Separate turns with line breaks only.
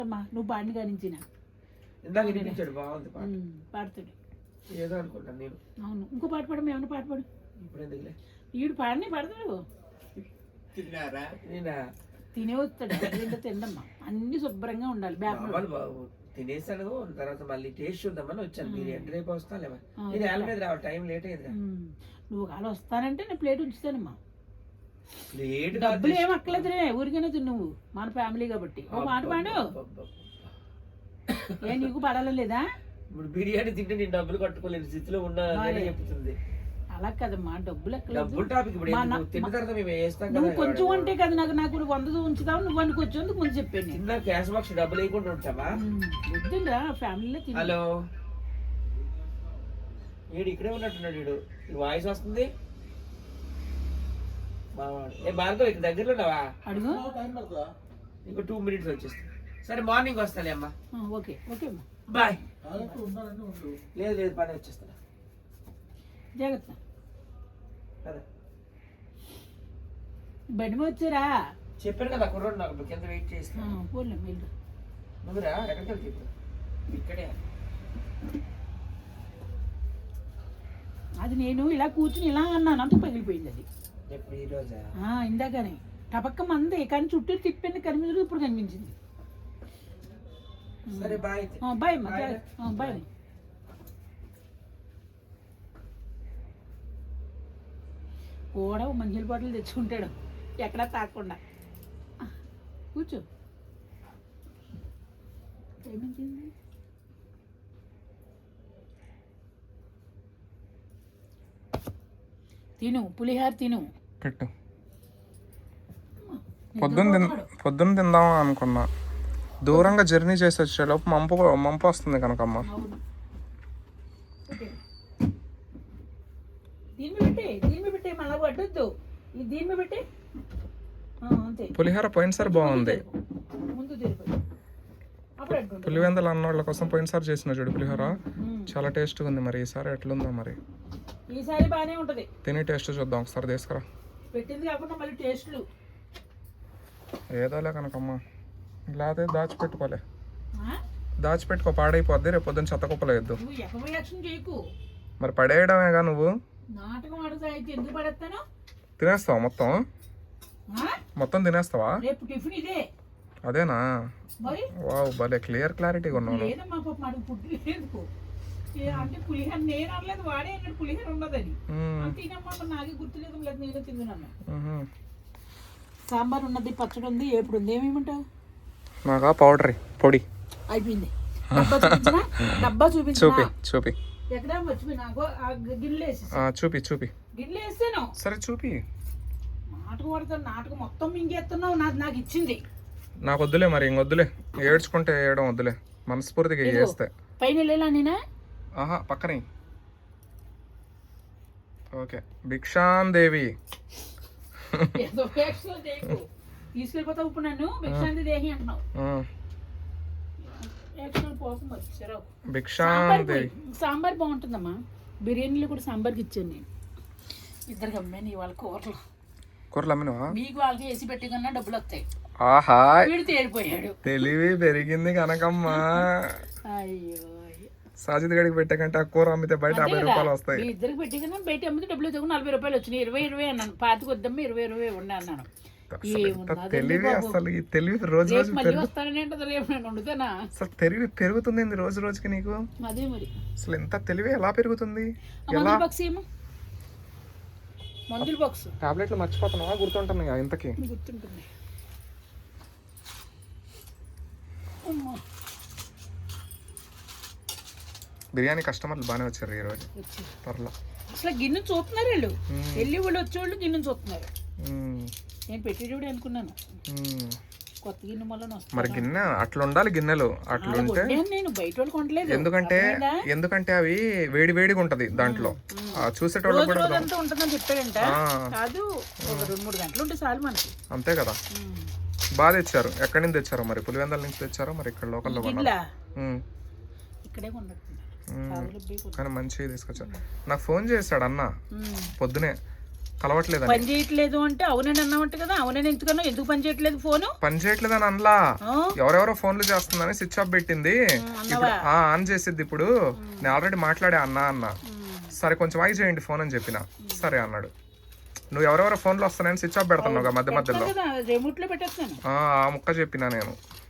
నువ్వు పాడిని గణించిన
ఇందాక వినిపించాడు, బాగుంది పాట.
పాడుతాడు
ఏదో అనుకుంటాను నేను.
అవును, ఇంకో పాట పాడు, ఏమన్నా పాట పాడు.
ఇప్పుడు ఎందుకులే,
ఈడు పాడిని పాడతాడు.
తిన్నారా? నేనా
తినే వస్తాడు, ఏంటో తిండమ్మా, అన్ని శుభ్రంగా ఉండాలి.
బాబు తినేసాను, తర్వాత మళ్ళీ టేస్ట్ చూద్దామని వచ్చాను. మీరు ఎంటర్ అయిపోయి వస్తాలేమా, నేను ఏళ్ళ మీద రావాలి, టైం లేట్ అయింది.
నువ్వు కాదు వస్తానంటే నేను ప్లేట్ ఉంచుతానమ్మా.
ప్లేట్
డబ్బులు ఏం అక్కలేదురే, ఊరికనే నువ్వు మన ఫ్యామిలీ కాబట్టి. ఓ మాట పాడు. ఏ నీకు పడాలి లేదా?
ఇప్పుడు బిర్యానీ తింటే నేను డబ్బులు కట్టుకోలేని స్థితిలో ఉన్నానని చెప్తుంది.
అలా కదమ్మా, డబ్బులు
డబ్బులు టాపిక్ తిన్న తర్వాత మేము వేస్తాం కదా.
నువ్వు కొంచెం అంటే కదా నాకు 100 ఉంచుతావు, నువ్వు అనుకు వచ్చేందుకు ముందు చెప్పాను.
చిన్న క్యాష్ బాక్స్ డబ్బులు వేయకుండా ఉంటావా?
వద్దురా ఫ్యామిలీలో.
హలో, వీడు ఇక్కడే ఉన్నట్టున్నాడు. వీడు వాయిస్ వస్తుంది. ఏ భార్గవ్ ఇక్కడ దగ్గరలో ఉన్నావా?
అడుగు,
ఇంకో 2 minutes వచ్చేస్తా. సరే మార్నింగ్ వస్తాలే అమ్మా.
ఓకే ఓకే అమ్మా,
బాయ్. లేదు లేదు, పని వచ్చేస్తా.
జాగ్రత్త.
కదా
బండి వచ్చారా?
చెప్పాను కదా కుర్రోడు నాకు కింద వెయిట్ చేస్తా.
పోలే వెళ్ళు.
నువ్వురా ఎక్కడికి వెళ్ళి చెప్పు. ఇక్కడే.
అది నేను ఇలా కూర్చుని ఇలా అన్నాను, అంత పగిలిపోయింది అది.
ఎప్పుడు ఈ రోజా?
ఇందాకనే టపక్క మంది, కానీ చుట్టూ తిప్పింది కనిపించదు, ఇప్పుడు కనిపించింది.
సరే బాయ్.
Bye bye. కూడా మంచిల బాటలు తెచ్చుకుంటాడు, ఎక్కడా తాకుండా. కూర్చో. ఏమించింది? తిను, పులిహార తిను.
పెట్టు. పొద్దున్న తిందాం అనుకున్నా, దూరంగా జర్నీ చేసి వచ్చేలోపు మంపు వస్తుంది కనుకమ్మ. పులిహోర పోయినసారి బాగుంది. పులివెందలు అన్నోళ్ళ కోసం పోయినసారి చేసిన చూడు పులిహోర, చాలా టేస్ట్గా ఉంది. మరి ఈసారి ఎట్లుందో మరి,
ఈసారి బాగానే ఉంటది.
తిని టేస్ట్ చూద్దాం ఒకసారి, తీసుకురా.
పెట్టింది కాకుండా మళ్ళీ టేస్ట్లు
ఏదోలే కనుకమ్మ, లేకపోతే దాచిపెట్టుకోలే, దాచిపెట్టుకో, పాడైపోద్ది. రేపు పొద్దున్న చెత్త కుప్పలేదు. మరి పడేయడమేగా నువ్వు. తినేస్తావా మొత్తం తినేస్తావా? అదేనా? వావ్, భలే క్లారిటీగా ఉన్నావు.
అంటే పులిహోర నేను అనలేదు, వాడే అన్నాడు పులిహోర ఉన్నదని. తినమ్మా నాకే గుర్తులేదు, లేదు నేనే తిన్నాను. సాంబార్ ఉన్నది, పచ్చడి ఉంది, ఎప్పుడు ఉంది. ఏమేమంటావు?
నాకా పౌడర్ పొడి
అయిపోయింది. డబ్బా
చూపి
ఎక్కడ మర్చిపోయినా, గిన్నెలు వేసి
చూపి
గిన్నెలు వేసాను.
సరే చూపి.
నాటకం పడతాను, నాటకం మొత్తం మింగేస్తున్నావు. నాకు ఇచ్చింది.
నాకు వద్దులే, మరి ఇంకొద్దులే, ఏడ్చుకుంటే వేయడం వద్దులే, మనస్ఫూర్తిగా చేస్తే.
పైన వెళ్ళా నేనా?
పక్కనే. ఓకే, భిక్షాన్ దేవి
తీసుకెళ్ళిపోతావు ఇప్పుడు నన్ను. భిక్షాంతి దేహి అంటున్నావు. సాంబార్ బాగుంటుందమ్మా, బిర్యానీలో కూడా సాంబార్కి ఇచ్చాను నేను. ఇద్దరికి అమ్మాను ఇవాళ కూరలు
అమ్మినవా?
మీకు వాళ్ళకి వేసి పెట్టి కన్నా డబ్బులు వస్తాయి.
ఆహా,
వీడు తేలిపోయాడు.
తెలివి పెరిగింది కనకమ్మా.
అయ్యో,
సాజిద్ గడికి పెట్టే కంటే ఆ కూర అమ్మితే బయట 50 రూపాయలు వస్తాయి.
ఇద్దరికి పెట్టి కన్నా బయట అమ్మితే డబ్బులు 40 రూపాయలు వచ్చినాయి. 20 అన్నాను, 25 వద్దమ్మా, 20 ఉండే అన్నాను.
తెలివి అసలు, ఈ తెలివి రోజు రోజు అసలు తెలివి పెరుగుతుంది రోజు రోజుకి నీకు.
అదే మరి,
అసలు ఎంత తెలివి ఎలా పెరుగుతుంది?
మందుల బాక్స్
టాబ్లెట్లు మర్చిపోతున్నావా? గుర్తుంటున్నాయి ఇంతకి?
గుర్తుంటుంది.
బిర్యానీ కస్టమర్లు బాగానే వచ్చారు ఈ రోజు. పర్లా,
అసలు గిన్నె చూస్తున్నారు వీళ్ళు, వెళ్ళి వాళ్ళు వచ్చేవాళ్ళు గిన్నె చూస్తున్నారు. నేను పెట్టేటప్పుడు అనుకున్నాను కొత్త గిన్నె మళ్ళీ.
మరి గిన్నె అట్లా ఉండాలి, గిన్నెలు అట్లుంటే.
నేను బయట వాళ్ళు కొనలేదు,
ఎందుకంటే అవి వేడిగా ఉంటది దాంట్లో, చూసేటోళ్ళు కూడా
ఉంటుందని చెప్పాడంట. కాదు, 2-3 గంటలు ఉంటే చాలు మనకి.
అంతే కదా. బాగా తెచ్చారు. ఎక్కడి నుంచి తెచ్చారో మరి, పులివెందల నుంచి తెచ్చారో మరి, ఇక్కడ లోకల్లో
ఇక్కడే కొన్నట్టున్నారు.
కానీ మంచిగా తీసుకొచ్చారు. నాకు ఫోన్ చేశాడు అన్న పొద్దునే, కలవట్లేదని.
పని చేయట్లేదు అంటే అవునని అన్నామంట కదా, అవునని ఎందుకన్నా, ఎందుకు పని చేయట్లేదు ఫోను?
పని చేయట్లేదని అనలా, ఎవరెవరో ఫోన్లు చేస్తుందని స్విచ్ ఆఫ్ పెట్టింది. ఇప్పుడు ఆన్ చేసిద్ది. ఇప్పుడు నేను ఆల్రెడీ మాట్లాడే అన్న సరే కొంచెం ఆగి చేయండి ఫోన్ అని చెప్పిన. సరే అన్నాడు. నువ్వు ఎవరెవరో ఫోన్లు వస్తున్నాయని స్విచ్ ఆఫ్ పెడుతున్నావు మధ్య మధ్యలో.
రిమోట్ లో పెట్టేస్తాను.
ఆ ముక్క చెప్పినా నేను.